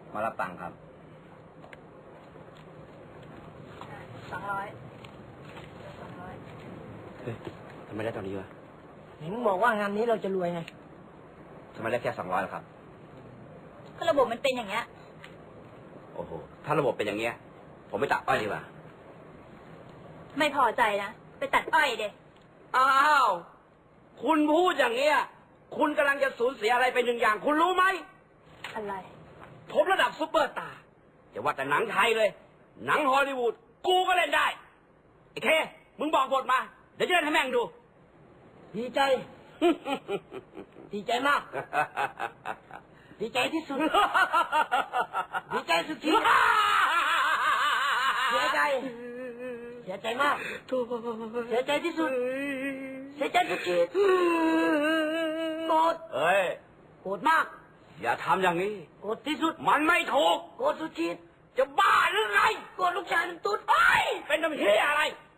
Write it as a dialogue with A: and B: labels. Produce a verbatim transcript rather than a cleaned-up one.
A: มารับตังค์ครับ
B: สองร้อยสองร้อย
A: เฮ้ยทำไมได้ตอนนี้วะ
C: เห็นบอกว่างานนี้เราจะรวยไง
A: ทำไมได้แค่สองร้อยล่ะครับ
B: ก็ระบบมันเป็นอย่างเงี้ย
A: โอ้โหถ้าระบบเป็นอย่างเงี้ยผมไม่ตัดอ้อยดีกว่า
B: ไม่พอใจนะไปตัดอ้อยเด็ก
A: อ้าวคุณพูดอย่างเงี้ยคุณกำลังจะสูญเสียอะไรไปหนึ่งอย่างคุณรู้ไหม
B: อะไร
A: ผมระดับซุปเปอร์สตาร์อย่าว่าแต่หนังไทยเลยหนังฮอลลีวูดกูก็เล่นได้ไอ้เคมึงบอกบทมาเดี๋ยวจะเล่นให้แม่งดู
C: ดีใจ ดีใจมาก ดีใจที่สุด ดีใจสุดขีดเสียใจเสียใจมากเสียใจที่สุดเสียใจสุดขีดโกรธ
A: เฮ้ย
C: โกรธมาก
A: อย่าทำอย่างนี้
C: โกรธที่สุด
A: มันไม่ถูก
C: โกรธสุดขีด
A: จะบ้าหรือไง
C: โกรธลูกชายมันตุ๊ด
A: ไปเป็นน้ำเหี้ยอะไร